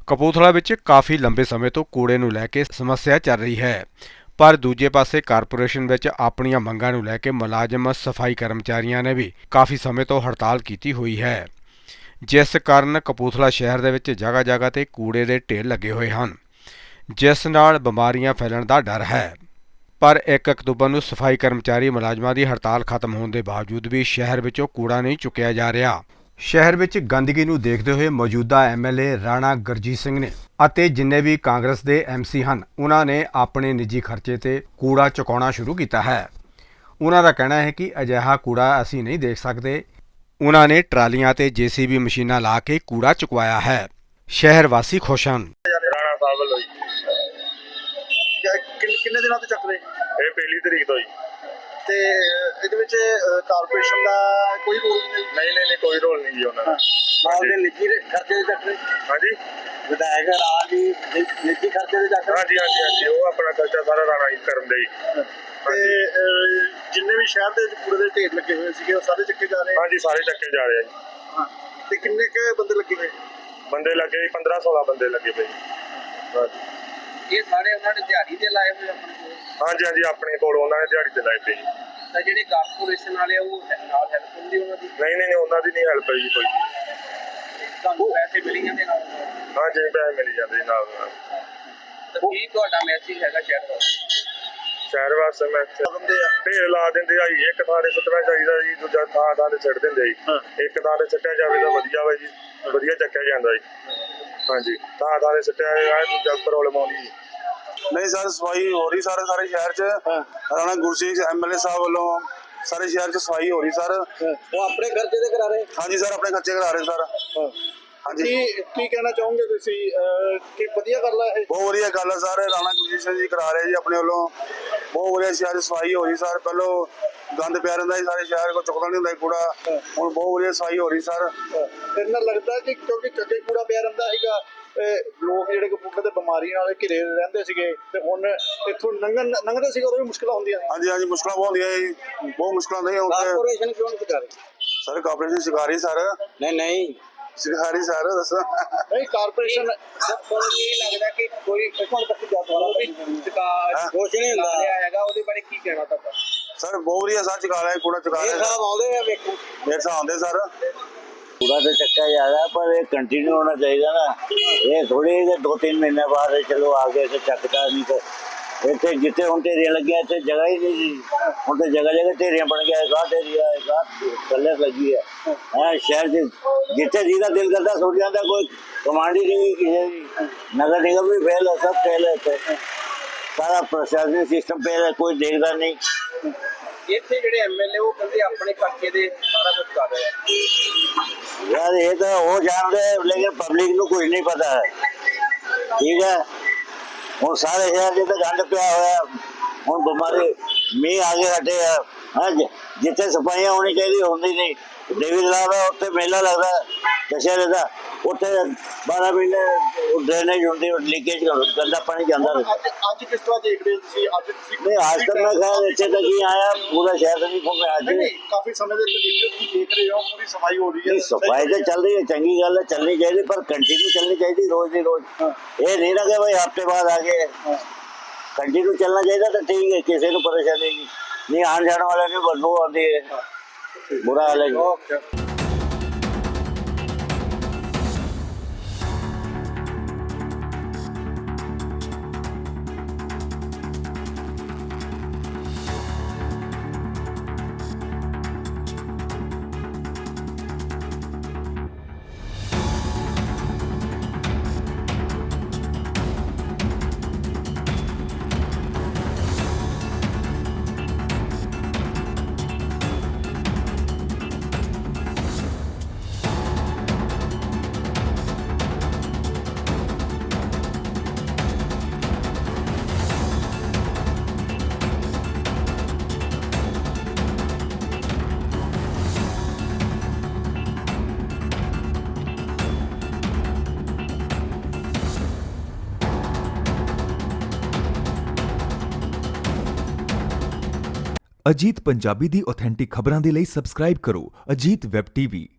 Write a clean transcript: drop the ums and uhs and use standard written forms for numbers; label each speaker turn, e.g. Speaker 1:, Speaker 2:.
Speaker 1: ਕਪੂਰਥਲਾ ਵਿੱਚ ਕਾਫੀ ਲੰਬੇ ਸਮੇਂ ਤੋਂ ਕੂੜੇ ਨੂੰ ਲੈ ਕੇ ਸਮੱਸਿਆ ਚੱਲ ਰਹੀ ਹੈ, ਪਰ ਦੂਜੇ ਪਾਸੇ ਕਾਰਪੋਰੇਸ਼ਨ ਵਿੱਚ ਆਪਣੀਆਂ ਮੰਗਾਂ ਨੂੰ ਲੈ ਕੇ ਮੁਲਾਜ਼ਮ ਸਫਾਈ ਕਰਮਚਾਰੀਆਂ ਨੇ ਵੀ ਕਾਫੀ ਸਮੇਂ ਤੋਂ ਹੜਤਾਲ ਕੀਤੀ ਹੋਈ ਹੈ, ਜਿਸ ਕਾਰਨ ਕਪੂਰਥਲਾ ਸ਼ਹਿਰ ਦੇ ਵਿੱਚ ਜਗ੍ਹਾ-ਜਗ੍ਹਾ ਤੇ ਕੂੜੇ ਦੇ ਢੇਰ ਲੱਗੇ ਹੋਏ ਹਨ, ਜਿਸ ਨਾਲ ਬਿਮਾਰੀਆਂ ਫੈਲਣ ਦਾ ਡਰ ਹੈ। ਪਰ 1 ਅਕਤੂਬਰ ਨੂੰ ਸਫਾਈ ਕਰਮਚਾਰੀ ਮੁਲਾਜ਼ਮਾਂ ਦੀ ਹੜਤਾਲ ਖਤਮ ਹੋਣ ਦੇ ਬਾਵਜੂਦ ਵੀ ਸ਼ਹਿਰ ਵਿੱਚੋਂ ਕੂੜਾ ਨਹੀਂ ਚੁੱਕਿਆ ਜਾ ਰਿਹਾ। ਸ਼ਹਿਰ ਵਿੱਚ ਗੰਦਗੀ ਨੂੰ ਦੇਖਦੇ ਹੋਏ ਮੌਜੂਦਾ ਐਮਐਲਏ ਰਾਣਾ ਗੁਰਜੀਤ ਸਿੰਘ ਨੇ ਅਤੇ ਜਿੰਨੇ ਵੀ ਕਾਂਗਰਸ ਦੇ ਐਮਸੀ ਹਨ, ਉਹਨਾਂ ਨੇ ਆਪਣੇ ਨਿੱਜੀ ਖਰਚੇ ਤੇ ਕੂੜਾ ਚੁਕਾਉਣਾ ਸ਼ੁਰੂ ਕੀਤਾ ਹੈ। ਉਹਨਾਂ ਦਾ ਕਹਿਣਾ ਹੈ ਕਿ ਅਜਿਹਾ ਕੂੜਾ ਅਸੀਂ ਨਹੀਂ ਦੇਖ ਸਕਦੇ। ਉਹਨਾਂ ਨੇ ਟਰਾਲੀਆਂ ਤੇ ਜੀਸੀਬੀ ਮਸ਼ੀਨਾਂ ਲਾ ਕੇ ਕੂੜਾ ਚੁਕਵਾਇਆ ਹੈ। ਸ਼ਹਿਰ ਵਾਸੀ ਖੁਸ਼ ਹਨ।
Speaker 2: ਰਾਣਾ ਸਾਹਿਬ ਵੱਲੋਂ ਜੀ
Speaker 3: ਕਿੰਨੇ ਦਿਨਾਂ ਤੋਂ ਚੱਕ ਰਹੇ
Speaker 2: ਇਹ ਪਹਿਲੀ ਤਰੀਕ ਤੋਂ ਜੀ।
Speaker 3: ਤੇ ਇਹਦੇ ਵਿੱਚ ਕਾਰਪੋਰੇਸ਼ਨ ਦਾ ਕੋਈ ਰੋਲ
Speaker 2: ਨਹੀਂ ਕੋਈ ਰੋਲ ਨਹੀਂ ਜੀ ਉਹਨਾਂ ਦਾ।
Speaker 3: ਨਾਲ ਦੇ ਨਿੱਜੀ ਖਰਚੇ ਦੇ ਚੱਕ ਰਹੇ
Speaker 2: ਹਾਂਜੀ
Speaker 3: ਵਿਧਾਇਕ ਰਾਜ ਦੀ ਨਿੱਜੀ ਖਰਚੇ ਦੇ ਚੱਕ ਰਹੇ
Speaker 2: ਹਾਂਜੀ ਉਹ ਆਪਣਾ ਖਰਚਾ ਸਾਰਾ ਰਾਣਾ ਹੀ ਕਰਨ ਦੇ ਜੀ।
Speaker 3: ਤੇ ਜਿੰਨੇ ਵੀ ਸ਼ਹਿਰ ਦੇ ਕੂੜੇ ਦੇ ਢੇਰ ਲੱਗੇ ਹੋਏ ਸੀਗੇ ਉਹ ਸਾਰੇ ਚੱਕੇ ਜਾ ਰਹੇ
Speaker 2: ਹਾਂਜੀ ਸਾਰੇ ਚੱਕੇ ਜਾ ਰਹੇ ਆ ਜੀ।
Speaker 3: ਹਾਂ ਤੇ ਕਿੰਨੇ ਕੁ ਬੰਦੇ ਲੱਗੇ ਹੋਏ
Speaker 2: ਬੰਦੇ ਲੱਗੇ ਜੀ 15-16 ਬੰਦੇ ਲੱਗੇ ਪਏ ਹਾਂਜੀ।
Speaker 4: ਇਹ ਸਾਰੇ ਉਹਨਾਂ ਨੇ ਦਿਹਾੜੀ ਤੇ ਲਾਏ ਹੋਏ ਆਪਣੇ ਕੋਲ।
Speaker 2: ਹਾਂਜੀ ਆਪਣੇ ਕੋਲ ਉਹਨਾਂ ਨੇ ਦਿਹਾੜੀ ਤੇ ਲਾਏ ਪਏ ਜੀ।
Speaker 4: ਤਾਂ ਜਿਹੜੇ ਕਾਰਪੋਰੇਸ਼ਨ ਵਾਲੇ ਉਹ ਨਾਲ ਹੈਲਪ ਹੁੰਦੀ ਉਹਨਾਂ ਦੀ
Speaker 2: ਨਹੀਂ ਉਹਨਾਂ ਦੀ ਨਹੀਂ ਹੈਲਪ ਜੀ ਕੋਈ।
Speaker 4: ਤੁਹਾਨੂੰ ਪੈਸੇ ਮਿਲ ਜਾਂਦੇ ਨਾਲ।
Speaker 2: ਹਾਂਜੀ ਪੈਸੇ ਮਿਲ ਜਾਂਦੇ ਨਾਲ।
Speaker 4: ਤਾਂ ਕੀ ਤੁਹਾਡਾ ਮੈਸੇਜ ਹੈਗਾ
Speaker 2: ਸ਼ਹਿਰ ਵਾਸਤੇ ਮੈਂ ਢੇਰ ਲਾ ਦਿੰਦੇ ਆ ਜੀ। ਇੱਕ ਥਾਂ ਤੇ ਸੁੱਟਣਾ ਚਾਹੀਦਾ ਜੀ, ਦੂਜਾ ਥਾਂ ਤੇ ਸੁੱਟ ਦਿੰਦੇ ਜੀ। ਇੱਕ ਥਾਂ ਤੇ ਸੁੱਟਿਆ ਜਾਵੇ ਤਾਂ ਵਧੀਆ ਵਾ ਜੀ, ਵਧੀਆ ਚੱਕਿਆ ਜਾਂਦਾ ਜੀ। ਹਾਂਜੀ ਥਾਂ ਤੇ ਸੁੱਟਿਆ ਜਾਵੇ ਦੂਜਾ ਪ੍ਰੋਬਲਮ ਆਉਂਦੀ ਜੀ।
Speaker 5: नहीं सर सफाई हो रही सारे शहर च राणा गुरजीत एमएलए साहब वालों सारे शहर च सफाई हो रही सर।
Speaker 3: ਉਹ ਆਪਣੇ ਖਰਚੇ ਤੇ ਕਰਾ ਰਹੇ
Speaker 5: हाँ जी सर अपने खर्चे करा रहे सर। हाँ जी
Speaker 3: ਕੀ ਕਹਿਣਾ ਚਾਹੋਗੇ ਤੁਸੀਂ ਕਿ ਵਧੀਆ ਗੱਲ ਹੈ ਇਹ?
Speaker 5: बहुत वधिया गल है सर। राणा गुरजीत सिंह जी करा रहे जी अपने वालों। बहुत वधिया शहर सफाई हो रही सर। पहलो गंद पिया रहा सारे शहर को चुकता नहीं होंगे कूड़ा, हुण बहुत वधिया सफाई हो रही सर।
Speaker 3: ਫਿਰ ਨਾ ਲੱਗਦਾ ਕਿ ਕਿਉਂਕਿ ਚੱਕੇ ਕੂੜਾ ਪਿਆ ਰਹਿੰਦਾ ਹੈਗਾ ਲੋਕ ਜਿਹੜੇ ਕਪੂਰਥਲੇ ਦੇ ਬਿਮਾਰੀਆਂ ਨਾਲ ਘਿਰੇ ਰਹਿੰਦੇ ਸੀਗੇ ਤੇ ਹੁਣ ਇੱਥੋਂ ਲੰਘਦੇ ਸੀਗੇ ਉਦੋਂ ਵੀ ਮੁਸ਼ਕਲਾਂ ਹੁੰਦੀਆਂ
Speaker 5: हाँ जी मुश्किल बहुत होंगे जी, बहुत मुश्किल नहीं होंगे
Speaker 3: ਕਾਰਪੋਰੇਸ਼ਨ ਕਿਉਂ ਨਹੀਂ ਕਰ ਰਹੀ
Speaker 5: सर। कॉर्पोरेशन सिखा रही सर।
Speaker 3: ਨਹੀਂ
Speaker 5: सिखा रही सर दसो।
Speaker 3: ਨਹੀਂ ਕਾਰਪੋਰੇਸ਼ਨ
Speaker 4: ਤੁਹਾਨੂੰ ਇਹ ਲੱਗਦਾ ਕਿ ਕੋਈ
Speaker 3: ਇੱਕ ਮਿੰਟ ਤੱਕ ਜਾ
Speaker 4: ਕੁਛ ਨਹੀਂ ਹੁੰਦਾ ਹੈਗਾ, ਉਹਦੇ ਬਾਰੇ ਕੀ ਕਹਿਣਾ ਤੁਹਾਡਾ?
Speaker 5: सर बहुत वधिया सर चुका रहे कूड़ा चुका रहे
Speaker 3: ਸਾਹਿਬ ਆਉਂਦੇ ਆ ਵੇਖੋ
Speaker 5: मेरे साथ आते सर।
Speaker 6: पूरा तो चक्का जा रहा है पर ये कंटिन्यू होना चाहिए ना। ये थोड़ी कि 2-3 महीने बाद चलो आगे से चकता नहीं तो इतने जितने हम ढेरियां लगी इतने जगह ही नहीं थी। हम तो जगह जगह ढेरियां बन गया, एक ढेरिया एक कलर लगी है। शहर से जितने जितना दिल करता सोच जाता, कोई कमांड ही नहीं किसी नगर निगम भी फेल है, सब फेल है। सारा प्रशासनिक सिस्टम फेल है, कोई देखता नहीं।
Speaker 4: ਇੱਥੇ ਜਿਹੜੇ ਐਮਐਲਏ ਉਹ ਕਹਿੰਦੇ ਆਪਣੇ ਖਰਚੇ ਦੇ ਸਾਰਾ ਕੁਝ ਕਰ ਰਹੇ ਆ।
Speaker 6: यार ये तो वो जान रहे हैं लेकिन पब्लिक को कुछ नहीं पता है। ठीक है हूँ सारे शहर जिते गंद पिया हुआ हूँ बीमारी मीह आगे हटे है। जिथे सफाइयां होनी चाहिए होंगी नहीं। देवी तलाब है उत्थे मेला लगता है दशहरे का, उत्थे 12 महीने ड्रेनेज होंगी, लीकेज गंदा पानी जाता है।
Speaker 3: ਅੱਜ ਕਿਸ ਤਰ੍ਹਾਂ ਦੇਖਦੇ ਹੋ ਤੁਸੀਂ ਅੱਜ ਤੁਸੀਂ
Speaker 6: नहीं आज तक मैं खैर इतने तक ही आया, पूरा शहर नहीं घूमे आज।
Speaker 3: ਨਹੀਂ ਕਾਫੀ ਸਮੇਂ ਦੇ ਵਿੱਚ ਤੁਸੀਂ ਦੇਖ ਰਹੇ ਹੋ ਪੂਰੀ ਸਫਾਈ ਹੋ ਰਹੀ ਹੈ।
Speaker 6: सफाई तो चल रही है, चंगी गल है, चलनी चाहिए पर कंटिन्यू चलनी चाहिए रोज ही रोज। ये नहीं ना कि भाई हफ्ते बाद आगे कंटिन्यू चलना चाहिए तो ठीक है, किसी को परेशानी नहीं आने जाने वाले नहीं बदबू आती है, बुरा हाल है।
Speaker 7: ਅਜੀਤ ਪੰਜਾਬੀ ਦੀ ਆਥੈਂਟਿਕ ਖਬਰਾਂ ਦੇ ਲਈ ਸਬਸਕ੍ਰਾਈਬ ਕਰੋ ਅਜੀਤ ਵੈਬ ਟੀਵੀ।